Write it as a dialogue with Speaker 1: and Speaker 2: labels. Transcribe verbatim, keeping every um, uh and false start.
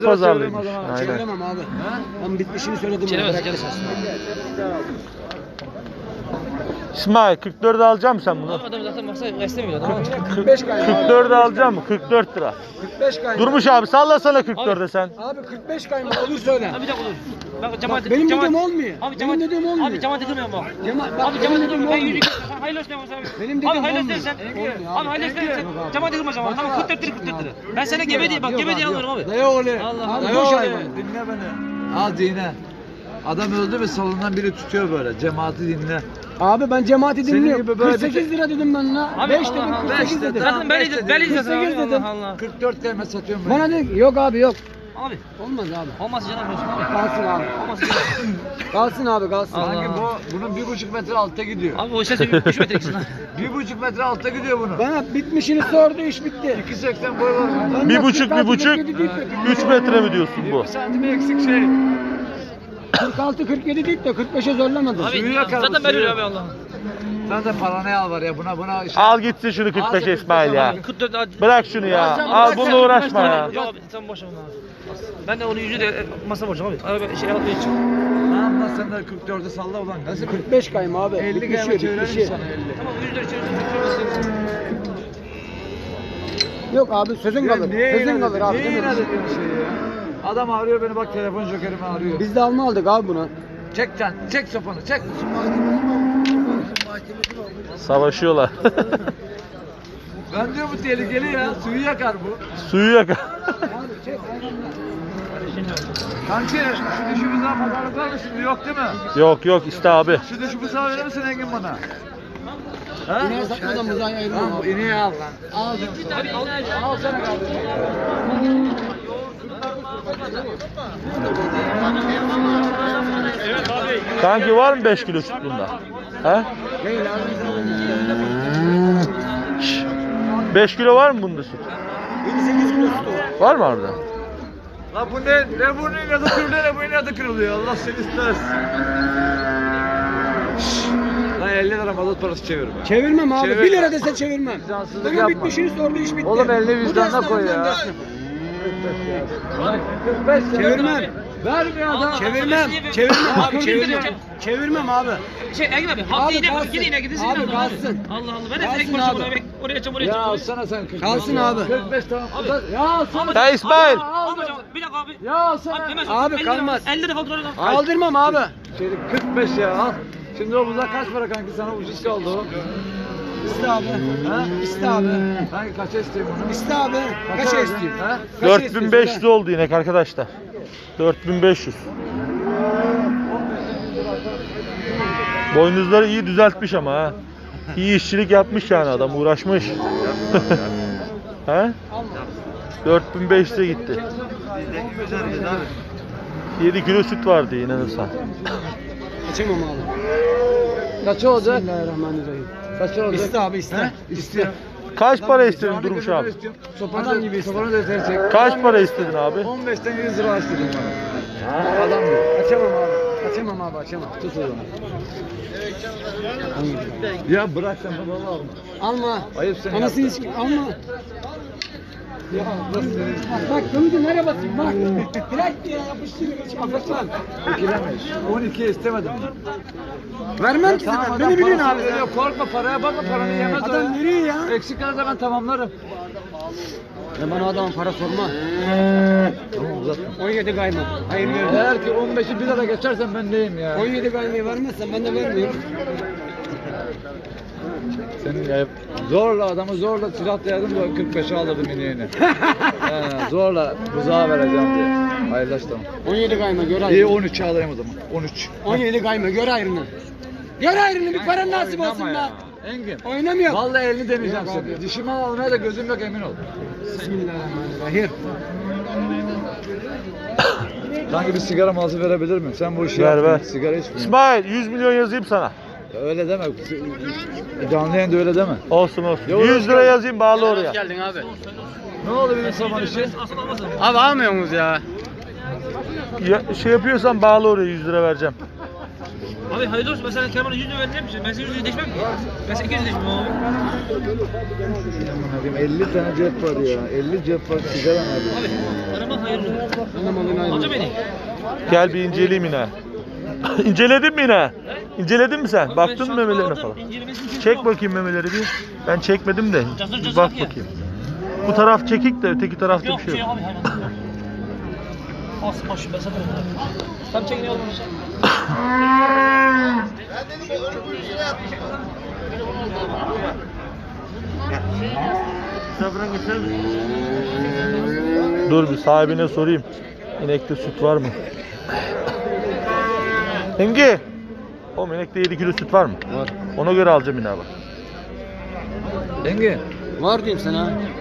Speaker 1: Pazarlıymış. Aynen.
Speaker 2: Çeviremem abi. Ben bitmişini söyledim.
Speaker 3: Çeviremez, çeviremez.
Speaker 1: İsmail kırk dörde alacak mısın sen bunu?
Speaker 3: Abi adam zaten baksana istemiyor adam.
Speaker 2: kırk beş kayma.
Speaker 1: kırk dörde alacak mısın? kırk dört lira.
Speaker 2: kırk beş kayma.
Speaker 1: Durmuş abi sallasana kırk dörde sen.
Speaker 2: Abi kırk beş kayma olur söyle.
Speaker 3: Abi bir dakika dur. Bak cemaat
Speaker 2: benim
Speaker 3: cemaat-
Speaker 2: dediğim olmuyor.
Speaker 3: Abi
Speaker 2: Benim
Speaker 3: cemaat
Speaker 2: dediğim olmuyor.
Speaker 3: Abi cemaat edilmiyor bak.
Speaker 2: Cema- bak,
Speaker 3: Abi
Speaker 2: benim
Speaker 3: cemaat
Speaker 2: dediğim
Speaker 3: edilmiyor. Ben
Speaker 2: olmuyor.
Speaker 3: yüzük sen hayırlı olsun abi.
Speaker 2: Benim
Speaker 3: Abi
Speaker 2: dediğim
Speaker 3: hayırlı
Speaker 2: olmuyor.
Speaker 3: olsun sen.
Speaker 2: Olmuyor
Speaker 3: Abi hayırlı olsun sen.
Speaker 2: Yok abi.
Speaker 3: Cemaat edilmez ama. Tamam kırk dört lira kırk dört lira. Ben sana gebe diye bak gebe diye alırım abi.
Speaker 2: Ne öyle?
Speaker 3: Allah
Speaker 2: Abi
Speaker 3: Allah.
Speaker 2: boş hayvan.
Speaker 4: Dinle beni. Al dinle. Adam öldü mü salondan biri tutuyor böyle. Cemaati dinle.
Speaker 2: Abi ben cemaati
Speaker 4: Senin
Speaker 2: dinliyorum.
Speaker 4: gibi böyle
Speaker 2: kırk sekiz lira dedim ben la.
Speaker 3: Abi
Speaker 2: beş
Speaker 3: Allah
Speaker 2: dedim
Speaker 3: Allah.
Speaker 2: kırk sekiz
Speaker 4: Beş
Speaker 2: dedim.
Speaker 3: Zaten belli
Speaker 4: Beş
Speaker 3: belli
Speaker 4: dedim.
Speaker 3: zaten abi.
Speaker 2: kırk sekiz dedim.
Speaker 3: Allah Allah.
Speaker 4: kırk dört kelime satıyorum ben.
Speaker 2: Bana dedi yok abi yok.
Speaker 3: Abi
Speaker 2: Olmaz abi.
Speaker 3: olmaz canım olsun abi.
Speaker 2: Kalsın abi.
Speaker 3: Olmaz canım.
Speaker 2: Kalsın abi kalsın.
Speaker 3: Allah.
Speaker 4: Sanki bu bunun bir buçuk metre altta gidiyor.
Speaker 3: Abi o ses üç metre gitsin lan.
Speaker 4: Bir buçuk metre altta gidiyor bunun.
Speaker 2: Bana bitmişini sordu iş bitti.
Speaker 4: iki seksen boy var.
Speaker 2: Ben
Speaker 1: Bir
Speaker 2: de
Speaker 1: buçuk
Speaker 2: kırk altı,
Speaker 1: bir buçuk
Speaker 2: kırk yedi deyip de
Speaker 1: üç metre mi diyorsun bu?
Speaker 4: yirmi santim eksik şey.
Speaker 2: kırk altı kırk yedi deyip de kırk beşe zorlamadı.
Speaker 3: Abi
Speaker 4: Suyu yakar bu,
Speaker 3: zaten ben
Speaker 4: suyu.
Speaker 3: öyle abi Allah.
Speaker 4: Sen de paranı al var ya buna buna. Işte.
Speaker 1: Al gitsin şunu kırk beşe İsmail ya.
Speaker 3: kırk dört abi.
Speaker 1: Bırak şunu ya. Al bununla uğraşma ya.
Speaker 3: Yok abi sen boş ver onu abi. Ben de onu yüzü de e, masa borcum abi. Abi ben şey alıp için.
Speaker 4: Ne yapmaz sen de kırk dörde salla ulan. Nasıl
Speaker 2: kırk beş kayma abi.
Speaker 4: elli
Speaker 2: Bitmişi,
Speaker 4: kelime çevirelim
Speaker 2: bitmişi.
Speaker 4: sana elli.
Speaker 3: Tamam yüz lira çevirsin.
Speaker 2: Yok abi sözün
Speaker 4: Ya
Speaker 2: kalır.
Speaker 4: niye
Speaker 2: Sözün
Speaker 4: inat
Speaker 2: kalır
Speaker 4: ediyorsun?
Speaker 2: abi.
Speaker 4: Niye
Speaker 2: değil mi?
Speaker 4: inat ediyorsun şeyi ya? Adam arıyor beni bak telefon jokerimi arıyor.
Speaker 2: Biz de alma aldık abi bunu.
Speaker 4: Çek can, çek sopanı, çek.
Speaker 1: Savaşıyorlar.
Speaker 4: Ben diyor bu tehlikeli ya, suyu yakar bu.
Speaker 1: Suyu yak.
Speaker 4: Kanki şu dişi buzağı pazarlık var mı şimdi yok değil mi?
Speaker 1: Yok yok iste abi.
Speaker 4: Şu dişi buzağı verir misin Engin bana? Ha?
Speaker 2: İneğe satmadan buzağı ayırmam
Speaker 4: Lan bu
Speaker 2: abi.
Speaker 4: ineği al lan. Al diyorum sana. Al sana kardeşim.
Speaker 1: Kanki var mı beş kilo süt bunda? He?
Speaker 2: Değil abi.
Speaker 1: beş kilo var mı bunda süt?
Speaker 2: yedi sekiz kilo sütü.
Speaker 1: Var mı orada?
Speaker 4: Lan bu ne? Ne bu ne adı kırılıyor ne bu ne adı kırılıyor Allah seni istersin. Lan elli lira mazot parası çevir be.
Speaker 2: Çevirmem abi.
Speaker 4: Çevir
Speaker 2: bir
Speaker 4: ya.
Speaker 2: lira dese çevirmem.
Speaker 4: Vicdansızlık
Speaker 2: Bana
Speaker 4: yapma.
Speaker 2: bitmişini sordu iş bitti.
Speaker 4: Oğlum elini
Speaker 2: Bu
Speaker 4: vicdanına
Speaker 2: da
Speaker 4: koy
Speaker 2: esnafın
Speaker 4: ya.
Speaker 2: esnafı.
Speaker 4: kırk beş lira.
Speaker 2: Çevirmem.
Speaker 4: Vermiyor adam.
Speaker 2: Çevirmem. Çevirmem abi.
Speaker 3: Abi,
Speaker 2: Çevirmem.
Speaker 3: çevir.
Speaker 2: Çevirmem abi.
Speaker 3: Şey Engin abi hafta
Speaker 2: Abi
Speaker 3: yine
Speaker 2: kalsın.
Speaker 3: gidin yine gidin.
Speaker 2: Abi
Speaker 3: Allah
Speaker 2: kalsın.
Speaker 3: Allah Allah. Ben de
Speaker 2: Kalsın
Speaker 3: tek başıma
Speaker 2: abi.
Speaker 3: oraya oraya çam oraya
Speaker 4: Ya
Speaker 3: çam.
Speaker 4: alsana sen kırk beş.
Speaker 2: Kalsın abi.
Speaker 4: kırk beş tamam.
Speaker 3: Abi.
Speaker 4: Ya alsana.
Speaker 1: Ya İsmail.
Speaker 3: Abi bir dakika abi.
Speaker 4: Ya alsana.
Speaker 3: hemen
Speaker 2: Abi,
Speaker 3: elli lira-
Speaker 2: kalmaz.
Speaker 3: elli lira fatura lan.
Speaker 2: Kaldırmam abi.
Speaker 4: Şeydi kırk beş ya al. Şimdi o buzak kaç para kanki sana ucuz kaldı o.
Speaker 2: İste abi.
Speaker 4: Ha?
Speaker 2: İste abi.
Speaker 4: Kanki kaça isteyeyim onu?
Speaker 2: İste abi. Kaça
Speaker 4: Kaça
Speaker 2: istiyorsun?
Speaker 4: Ha?
Speaker 2: Kaça
Speaker 1: dört bin
Speaker 2: istiyorsun
Speaker 1: beş yüz
Speaker 2: ha?
Speaker 1: oldu inek arkadaşlar. dört bin beş yüz. Boynuzları iyi düzeltmiş ama ha. İyi işçilik yapmış yani adam uğraşmış. He? dört bin beş yüze gitti. yedi kilo süt vardı inanırsan.
Speaker 2: Açamam abi.
Speaker 4: Kaça olacak?
Speaker 2: Bismillahirrahmanirrahim.
Speaker 4: Kaça olacak?
Speaker 2: İste abi iste.
Speaker 4: İstiyor.
Speaker 1: Kaç para istedin Durmuş abi?
Speaker 4: Sopanı
Speaker 2: Adam
Speaker 4: da,
Speaker 2: gibi iste.
Speaker 4: sopanı da yeter çek.
Speaker 1: Kaç para istedin abi?
Speaker 4: on beşten yüz lira istedim bana. Adam gibi.
Speaker 2: Açamam abi. Açamam abi açamam.
Speaker 4: Tut o zaman. Ya bırak sen babalı alma.
Speaker 2: Alma.
Speaker 4: Ayıp seni
Speaker 2: Anasını
Speaker 4: yaptın.
Speaker 2: hiç alma. Ya bak bak gömücü nereye basayım bak. Direkt diye yapıştırıyor hiç affetmem.
Speaker 4: Ekilemeyiz. on ikiye istemedim.
Speaker 2: Vermem ki
Speaker 4: Tamam
Speaker 2: sana.
Speaker 4: adam
Speaker 2: Beni biliyorsun
Speaker 4: parasını
Speaker 2: abi.
Speaker 4: veriyor. Korkma paraya bakma paranı yemez o
Speaker 2: Adam
Speaker 4: ya.
Speaker 2: veriyor ya.
Speaker 4: Eksik kalırsa ben tamamlarım.
Speaker 2: Ya bana adamın para sorma.
Speaker 4: Tamam uzatma.
Speaker 2: on yedi kayma. Hayır vermem.
Speaker 4: Eğer ki on beşi bir lira geçersen ben neyim ya?
Speaker 2: on yedi kaymayı vermezsen ben de vermiyorum.
Speaker 4: Senin ya zorla adamı zorla silah dayadım da kırk beşe alırdım ineğini. He, zorla buzağa vereceğim diye. Hayırlaş tamam.
Speaker 2: on yedi kayma gör
Speaker 4: İyi
Speaker 2: ayrını.
Speaker 4: on üçe alayım o zaman. on üç.
Speaker 2: on yedi kayma gör ayrını. Gör ayrını bir paran nasip olsun
Speaker 4: Oynama
Speaker 2: be.
Speaker 4: ya. Engin.
Speaker 2: Oynamıyor.
Speaker 4: Vallahi elini deneyeceğim
Speaker 2: Yok
Speaker 4: seni.
Speaker 2: abi.
Speaker 4: Dişimi almaya da gözüm yok emin ol.
Speaker 2: Bismillahirrahmanirrahim.
Speaker 4: Sanki bir sigara malzı verebilir miyim? Sen bu işi
Speaker 1: Ver,
Speaker 4: yaptın,
Speaker 1: ver.
Speaker 4: sigara içmiyorsun.
Speaker 1: İsmail yüz milyon yazayım sana.
Speaker 4: Ya öyle deme. Canlı yayında öyle deme.
Speaker 1: Olsun olsun.
Speaker 4: Yok,
Speaker 1: yüz lira yazayım bağlı oraya.
Speaker 2: geldin abi.
Speaker 4: Ne oldu benim saman işi?
Speaker 2: Abi almıyor muyuz ya?
Speaker 1: Ya, şey yapıyorsan bağlı oraya yüz lira vereceğim.
Speaker 3: Abi hayırlı olsun. Ben sana Kemal'e yüz lira vereceğim. Ben sana yüz lira değişmem ki. Ben sana iki yüz lira değişmem abi.
Speaker 4: Abim elli tane cep var ya. elli cep var sigara abi.
Speaker 3: Abi arama hayırlı olsun. Alacağım beni.
Speaker 1: Gel bir inceleyeyim yine. İnceledin mi yine? İnceledin mi sen?
Speaker 3: Abi ben
Speaker 1: Baktın
Speaker 3: şu
Speaker 1: mı
Speaker 3: an
Speaker 1: memelerine
Speaker 3: aldım,
Speaker 1: falan?
Speaker 3: incelemesini için
Speaker 1: Çek
Speaker 3: yok.
Speaker 1: bakayım memeleri bir. Ben çekmedim de.
Speaker 3: Cazır
Speaker 1: Bir
Speaker 3: cazır
Speaker 1: bak
Speaker 3: ya.
Speaker 1: bakayım. Bu taraf çekik de öteki tarafta
Speaker 3: Yok
Speaker 1: bir
Speaker 3: şey
Speaker 1: şey
Speaker 3: yok
Speaker 1: yok.
Speaker 3: abi hayvan. As boş ben satarım. Tam çekin yolunu.
Speaker 1: Dur bir sahibine sorayım. İnekte süt var mı? Hengi. O inekte yedi kilo süt var mı?
Speaker 4: Var.
Speaker 1: Ona göre alacağım yine bak.
Speaker 4: Denge.
Speaker 2: Var diyeyim sana.